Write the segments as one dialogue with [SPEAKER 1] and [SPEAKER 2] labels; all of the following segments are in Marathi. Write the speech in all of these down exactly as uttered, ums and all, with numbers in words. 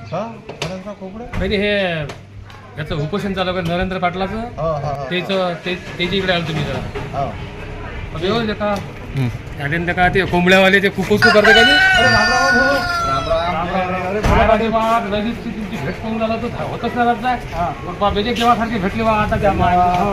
[SPEAKER 1] पहिले हे याचं उपोषण चालू आहे नरेंद्र पाटलाचं त्याचं त्याच्या इकडे आलो तुम्ही जरा व्यवस्थित का त्यानंतर का ते कोंबड्यावाले ते कुपोस करते का लगेच तुमची भेट करून झाला तर होतच ना राहत बेजे केव्हा सारखे भेटले बा आता त्या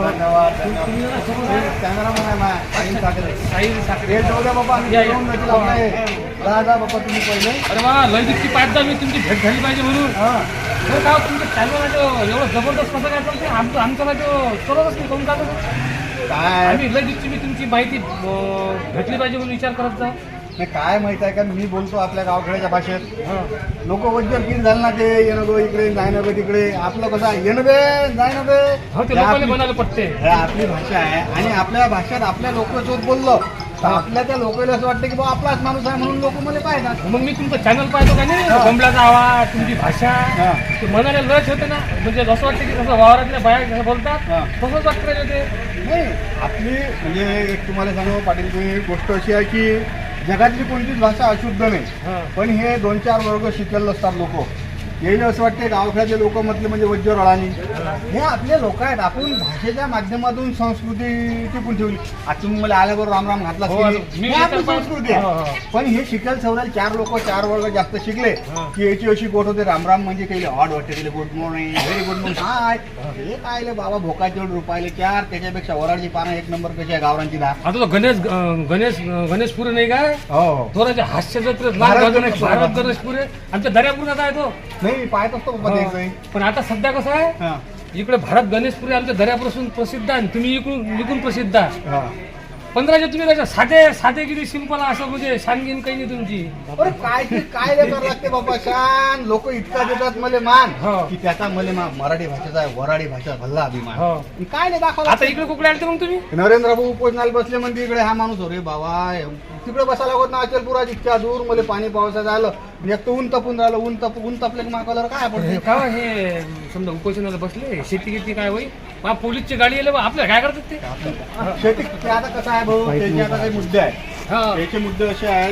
[SPEAKER 1] अरे वा लयदीपची पाच दहा मी तुमची भेट झाली पाहिजे म्हणून तर का तुमच्या चॅनल एवढं जबरदस्त कसं काय चालते आमचं आमचं माझं सर्वच नाही करून जातं
[SPEAKER 2] काय
[SPEAKER 1] आम्ही लयदीपची मी तुमची माहिती भेटली पाहिजे म्हणून विचार करत जा
[SPEAKER 2] नाही काय माहित आहे का मी बोलतो आपल्या गावखेड्याच्या भाषेत लोक वज्जर किती झालं ना ते येणं गो इकडे जाय ना गो तिकडे आपलं कसं येणं बे जाय ना बे
[SPEAKER 1] म्हणायला पटते
[SPEAKER 2] हे आपली भाषा आहे आणि आपल्या भाषेत आपल्या लोकांसोबत बोललो तर आपल्या त्या लोकांना असं वाटतं की बाबा आपलाच माणूस आहे म्हणून लोक मला पाहतात
[SPEAKER 1] मग मी तुमचं चॅनल पाहतो का नाही कोंबड्याचा आवाज तुमची भाषा ते म्हणायला लच होते ना म्हणजे असं वाटतं की कसं वावरातल्या बाया कसं बोलतात तसंच वाटतं ते
[SPEAKER 2] नाही आपली म्हणजे एक तुम्हाला सांगू पाटील तुम्ही गोष्ट अशी आहे की जगातली कोणतीच भाषा अशुद्ध नाही पण हे दोन चार वर्ग शिकलेले असतात लोक येईल असं वाटते गावखेड्यातले लोक म्हटले म्हणजे वज्जर अळानी हे आपले लोक आहेत आपण भाषेच्या माध्यमातून संस्कृती टिकून ठेवली आता तुम्ही मला आल्याबरोबर रामराम घातला ही आपली संस्कृती आहे पण हे शिकेल सवरायला चार लोक चार वर्ग जास्त शिकले की याची अशी गोट होते रामराम म्हणजे काही ऑड वाटते गेले good morning very good morning hi हे काय बाबा भोकाचे रुपयाले चार त्याच्यापेक्षा वराडची पानं एक नंबर कशी आहे गावरांची दहा
[SPEAKER 1] आता तो गणेश गणेश गणेशपुरे नाही काय
[SPEAKER 2] हो
[SPEAKER 1] थोडाचे हास्य जत्रेत भारत गणेशपुरे आमच्या दर्यापूरचा आहे तो
[SPEAKER 2] नाही पाहत असतो
[SPEAKER 1] पण आता सध्या कसं आहे इकडे भारत गणेशपुरी आमच्या दर्यापासून प्रसिद्ध आहे तुम्ही इकडून इकडून प्रसिद्ध आहे पंधराशे तुम्ही त्याच्या साधे साधे किती सिंपल असं म्हणजे शानगीन काही नाही तुमची
[SPEAKER 2] अरे काय ते काय करावं लागते बाबा शान लोक इतका देतात मले मान की त्याचा मले मराठी भाषेचा वराडी भाषा भल्ला अभिमान काय नाही दाखवला
[SPEAKER 1] आता इकडे कुठे आले मग तुम्ही
[SPEAKER 2] नरेंद्र भाऊ उपोषणाला बसले म्हणजे इकडे हा माणूस अरे बाबा तिकडे बसायला होत ना अचलपुरात इतक्या दूर मध्ये पाणी पावसाचं आलं एक तर ऊन तपून राहिलं ऊन तप ऊन तपले की मागवल्यावर काय पडते
[SPEAKER 1] का हे समजा उपोषणाला बसले शेती किती काय होई बा पोलीसची गाडी आले बा आपल्याला काय करतात ते
[SPEAKER 2] शेती आता कसं आहे भाऊ त्याचे आता काही मुद्दे आहेत त्याचे मुद्दे असे आहेत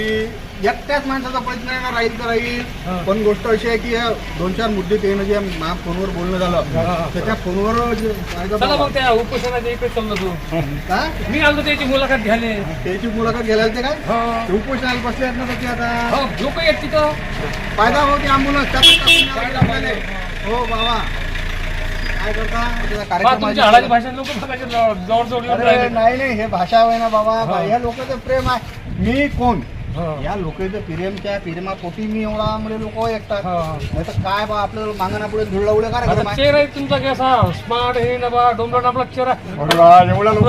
[SPEAKER 2] की एकट्याच माणसाचा प्रश्न आहे ना राहील तर राहील पण गोष्ट अशी आहे की दोन चार मुद्दे ते म्हणजे मा फोनवर बोलणं झालं त्याच्या फोनवर
[SPEAKER 1] चला मग त्या उपोषणाच्या इकडे चाललो तू
[SPEAKER 2] का
[SPEAKER 1] मी आलो त्याची मुलाखत घ्याले
[SPEAKER 2] त्याची मुलाखत घ्यायला ते काय उपोषणाला बसले आहेत ना त्याची आता
[SPEAKER 1] लोक आहेत तिथं
[SPEAKER 2] फायदा होती आंबुलन्स हो बाबा काय करता
[SPEAKER 1] भाषा लोक जवळ जवळ
[SPEAKER 2] नाही नाही हे भाषा आहे ना बाबा या लोकांचं प्रेम आहे मी कोण या लोकांचं प्रेमच्या प्रेमापोटी मी एवढा म्हणजे लोक एकतात नाही तर काय बा आपल्याला मागणा पुढे धुळला उड्या काय
[SPEAKER 1] चेहरा आहे तुमचा कसा स्मार्ट हे ना बा डोंबरा आपला चेहरा
[SPEAKER 2] एवढा लोक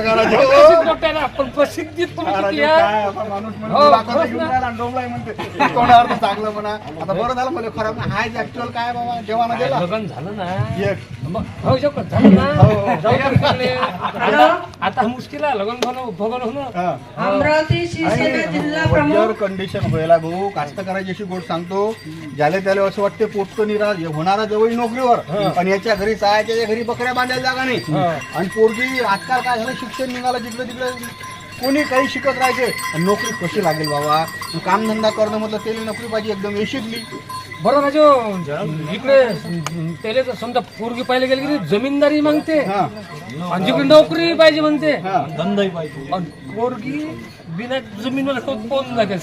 [SPEAKER 1] पण प्रसिद्धीत
[SPEAKER 2] माणूस म्हणते कोणावर चांगलं म्हणा आता बरं झालं मला खराब ना हाय ऍक्च्युअल काय बाबा जेव्हा ना गेला
[SPEAKER 1] लग्न झालं ना होऊ शकत झालं ना आता मुश्किल आहे लग्न होणं भगन होणं
[SPEAKER 3] अमरावती शिवसेना जिल्हा
[SPEAKER 2] वज्जर कंडिशन व्हायला भाऊ कास्तकाराची अशी गोष्ट सांगतो ज्याला त्याला असं वाटते पोटतो निराश होणारा जवळ नोकरीवर आणि याच्या घरी साय त्याच्या घरी बकऱ्या बांधायला जागा नाही आणि पोरगी आजकाल काय झालं शिक्षण निघालं तिकडे तिकडे कोणी काही शिकत राहायचे नोकरी कशी लागेल बाबा कामधंदा करणं म्हटलं त्याला नोकरी पाहिजे एकदम यशिकली
[SPEAKER 1] बरोबर जो इकडे त्याला समजा पोरगी पाहिजे गेली की जमीनदारी मागते आणि जिकडे नोकरी पाहिजे म्हणते धंदाही पाहिजे पोरगी बिना जमीनवर कोण लागेल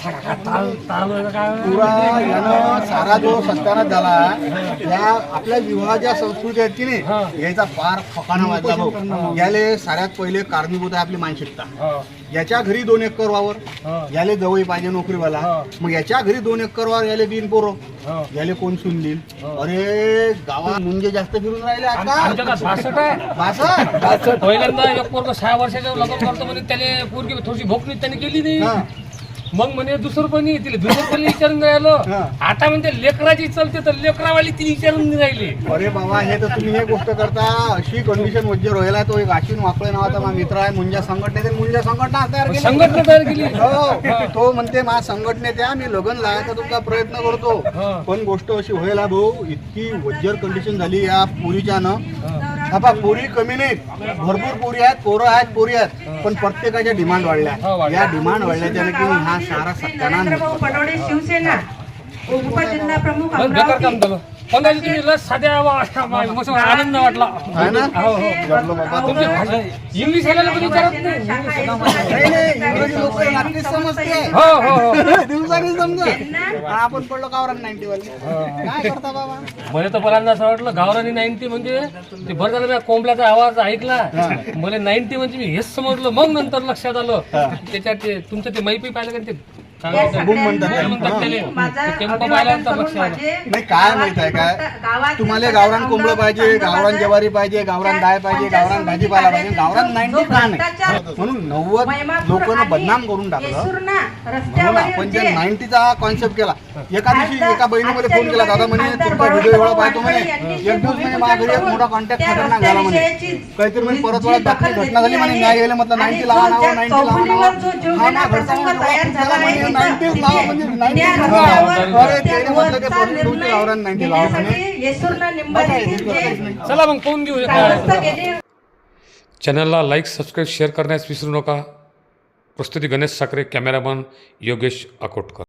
[SPEAKER 2] सारा जो सत्यानाश झाला त्या आपल्या विवाहाच्या संस्कृती आहेत की नाही याचा फार फकाना वाजला भाऊ याले साऱ्यात पहिले कारणीभूत आहे आपली मानसिकता याच्या घरी दोन एकर वावर याले जवळ पाहिजे नोकरीवाला मग याच्या घरी दोन एकर वावर याले तीन पोरं याले कोण सुन देईल अरे गावात मुंजे जास्त फिरून राहिले आता
[SPEAKER 1] बासष्ट आहे पहिल्यांदा एक पोरग सहा वर्षाच्या लग्न करतो म्हणजे त्याने पोरगी थोडीशी भोकणी त्याने केली नाही मग म्हणे दुसरं पण तिला दुसरं पण विचारून राहिलं आता म्हणजे लेकराची चलते तर लेकरावाली ती विचारून नाही राहिली
[SPEAKER 2] अरे बाबा हे तर तुम्ही हे गोष्ट करता अशी कंडिशन वज्जर व्हायला तो एक आशिन वाकळे नावाचा माझा मित्र आहे मुंजा संघटनेचे मुंजा संघटना तयार केली
[SPEAKER 1] संघटना तयार केली
[SPEAKER 2] हो तो म्हणते मा संघटनेत या मी लग्न लावायचा तुमचा प्रयत्न करतो पण गोष्ट अशी व्हायला भाऊ इतकी वज्जर कंडिशन झाली या पुरीच्या न आता पोरी कमी नाहीत भरपूर पोरी आहेत पोरं आहेत पोरी आहेत पण प्रत्येकाच्या डिमांड वाढल्या या डिमांड वाढल्याच्या की हा सारा सत्यानाश
[SPEAKER 3] शिवसेना उपजिल्हा प्रमुख
[SPEAKER 1] बस बेकार काम
[SPEAKER 3] अमरावती
[SPEAKER 1] झालं पण त्याची तुम्ही लस साध्या वा- वा- मस्त आनंद वाटला
[SPEAKER 2] आहे ना?
[SPEAKER 1] हो हो
[SPEAKER 2] जमलं बाबा.
[SPEAKER 1] तुमची भाषा इंग्लिश यायला पण विचारत नाही
[SPEAKER 2] नाही, नाही, इंग्रजी लोक रात्रीच समजते.
[SPEAKER 1] हो हो हो
[SPEAKER 2] दिवसाने समजा आपण पडलो गावरान नाईन्टी वाले काय करता बाबा.
[SPEAKER 1] मला तर पहिल्यांदा असं वाटलं गावरानी नाईन्टी म्हणजे ते बरं झालं मी कोंबड्याचा आवाज ऐकला मला नाईन्टी म्हणजे मी हेच समजलं मग नंतर लक्षात आलं त्याच्यात ते तुमचं ते मैपी पाहिलं का ते काय
[SPEAKER 3] या
[SPEAKER 1] म्हणतात?
[SPEAKER 2] बुम म्हणतात
[SPEAKER 1] काय म्हणतात त्याले?
[SPEAKER 3] माझा
[SPEAKER 1] ते केंप
[SPEAKER 3] अभिवादन
[SPEAKER 1] पाहिल्यानंतर
[SPEAKER 3] करून
[SPEAKER 1] लक्षात आलं
[SPEAKER 3] माझे
[SPEAKER 2] नाही काय माहित आहे काय
[SPEAKER 3] गावातील
[SPEAKER 2] तुम्हाला गावरान कोंबडं पाहिजे गावरान
[SPEAKER 3] पंतप्रधान
[SPEAKER 2] ज्वारी पाहिजे गावरान डाळ पाहिजे गावरान भाजीपाला पाहिजे गावरान नाईन्टी का नाही म्हणून नव्वद लोकांना बदनाम करून टाकलं म्हणून आपण जे नाईन्टीचा कॉन्सेप्ट केला एका दिवशी एका बहिणीमध्ये फोन केला दादा म्हणे तुमचा व्हिडिओ एवढा पाहतो म्हणे एक दिवस म्हणे माझ्या घरी एक मोठा कॉन्टॅक्ट खतरनाक झाला म्हणे काहीतरी म्हणे परत परत बातमी घटना झाली म्हणे न्याय गेले म्हटलं नाईन्टी लावा नावा नाईन्टी लावा नावा हा ना घरचा म्हणे नाईन्टी लावा म्हणजे नाईन्टी अरे त्याने म्हटलं ते पोलीस तुमची गावरान नाईन्टी लावा म्हणे
[SPEAKER 1] चला मग फोन घेऊ
[SPEAKER 3] गेले
[SPEAKER 1] चॅनलला लाईक सबस्क्राईब शेअर करण्यास विसरू नका प्रस्तुती गणेश साखरे कॅमेरामन योगेश अकोटकर